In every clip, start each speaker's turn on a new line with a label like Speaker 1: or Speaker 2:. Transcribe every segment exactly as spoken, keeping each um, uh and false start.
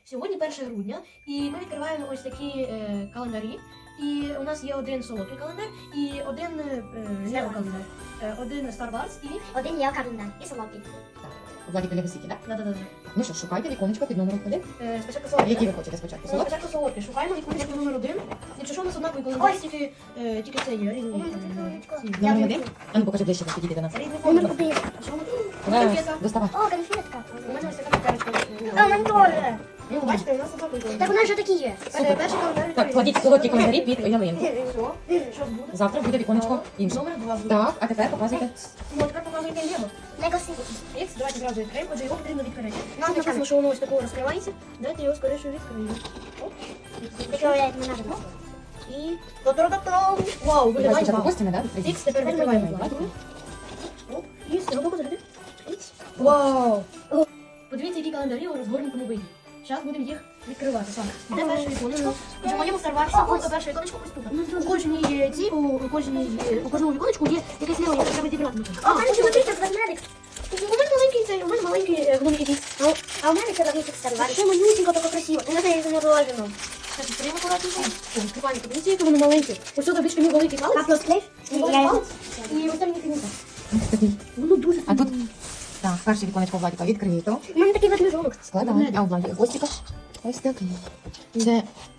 Speaker 1: Сьогодні перше грудня, і ми відкриваємо ось такі е, календарі. І у нас є один солодкий календар і один е, календар. Е, один Star Wars і
Speaker 2: Один є календар і солодкий.
Speaker 3: Владі Полягосіки, так?
Speaker 1: да-да-да.
Speaker 3: Ну що, шукайте віконечко під номером один.
Speaker 1: Е, спочатку
Speaker 3: А
Speaker 1: солодкий.
Speaker 3: які ви хочете спочатку?
Speaker 1: Ну,
Speaker 3: Солодкі?
Speaker 1: спочатку солодкий. Шукаємо віконечко номер один. Якщо що, у нас однаковий календар, тільки, е, тільки це є різні. е, ці.
Speaker 3: Номер один? А ну покажи ближче, підійди до нас.
Speaker 1: Різний
Speaker 2: Номер
Speaker 1: календар.
Speaker 2: один.
Speaker 1: А що ми тут?
Speaker 3: Давай,
Speaker 1: Конфета.
Speaker 3: доставай.
Speaker 2: О, конфетка.
Speaker 1: У мене ось така цукерочка.
Speaker 2: А, у мене теж.
Speaker 1: Ну, бачите, у нас однаковий
Speaker 2: Так у
Speaker 1: календар.
Speaker 2: нас вже такі є.
Speaker 1: Е, Перший календар.
Speaker 3: Так, кладіть солодкі календарі під ялинку.
Speaker 1: Що? Що буде?
Speaker 3: Завтра буде віконечко інше.
Speaker 1: Номер два буде.
Speaker 3: Так, а тепер показуйте.
Speaker 1: Ну, тепер показуйте Лего.
Speaker 2: Лего Сіті.
Speaker 1: Ікс, давайте зразу відкриємо, отже, його потрібно відкрити.
Speaker 2: Ну,
Speaker 1: Тут написано, що воно ось такого розкривається. Давайте його скоріше відкриємо. Оп.
Speaker 2: Що я не надо.
Speaker 1: І... Та-та-та-та! Вау,
Speaker 3: Давай
Speaker 1: виглядає
Speaker 3: спочатку
Speaker 1: вау.
Speaker 3: костями, так?
Speaker 1: Ікс, тепер відкриваємо плату. Оп, і все, готово заряди. Ікс. Вау! Подивіться, які календарі у розгорнутому виді. Зараз будемо їх відкривати. Так, де перше віконечко? Отже, в моєму старварсі було перше віконечко ось тут. У кожній ці, у, у кожній, у кожному віконечку є якесь лево, яке треба зібрати.
Speaker 2: А, у мене смотрите, ведмедик.
Speaker 1: У мене маленький цей, у мене маленький е, гномик якийсь.
Speaker 2: А у- А у мене це великий старвар.
Speaker 1: Ще малюсенько, таке красиво.
Speaker 2: У мене є заморожено.
Speaker 1: Так, відкриємо акуратненько. О, відкриваємо, подивіться, яке воно маленьке. Ось тут табличка мій великий палець.
Speaker 2: Капло склеїв?
Speaker 1: Мій
Speaker 2: Я
Speaker 1: великий
Speaker 2: його...
Speaker 1: палець. І ось там мій кінець.
Speaker 3: Ось такий.
Speaker 1: Воно дуже
Speaker 3: А тут, так, перше віконечко Владіка відкрито.
Speaker 2: У мене такий ведмежонок.
Speaker 3: Складаємо. А у Владі хвостика ось такий. Це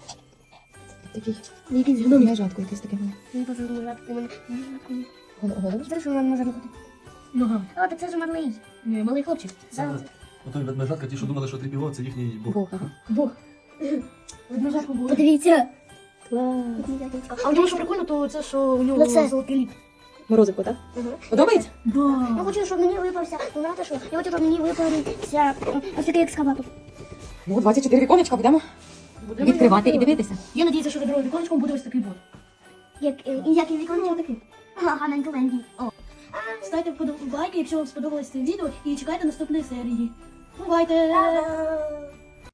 Speaker 3: такий.
Speaker 1: якийсь гномик.
Speaker 3: Лежатку якийсь таке.
Speaker 2: Мені дуже дуже у мене.
Speaker 3: Голову.
Speaker 2: Знаєш, що мене може бути?
Speaker 1: Нога.
Speaker 2: О, так це ж малий.
Speaker 1: Ні, малий хлопчик.
Speaker 2: Зараз.
Speaker 4: Отой ведмежатка, ті, що думали, що трипіло, це їхній бог.
Speaker 3: Бог, ага.
Speaker 1: Бог. Ведмежатку було.
Speaker 2: Подивіться.
Speaker 3: Клас.
Speaker 1: А в ньому що прикольно, то це, що у нього
Speaker 2: Ну, це-
Speaker 1: золотий ліп.
Speaker 3: Морозику, так?
Speaker 1: Ага.
Speaker 3: Подобається?
Speaker 2: Я
Speaker 1: Да.
Speaker 2: хочу, щоб мені випався. Ну, знаєте що? Я хочу, щоб мені випався м, ось такий екскаватор.
Speaker 3: Ну, двадцять чотири віконечка будемо
Speaker 1: Будемо
Speaker 3: відкривати і
Speaker 1: його
Speaker 3: дивитися.
Speaker 1: Я надіюся, що за другим віконечком буде ось такий бот.
Speaker 2: Як, е, і як і віконечко такий. Ага, Ленді. О.
Speaker 1: Ставте вподобайки, якщо вам сподобалось це відео, і чекайте наступної серії. Бувайте!
Speaker 2: Та-дам!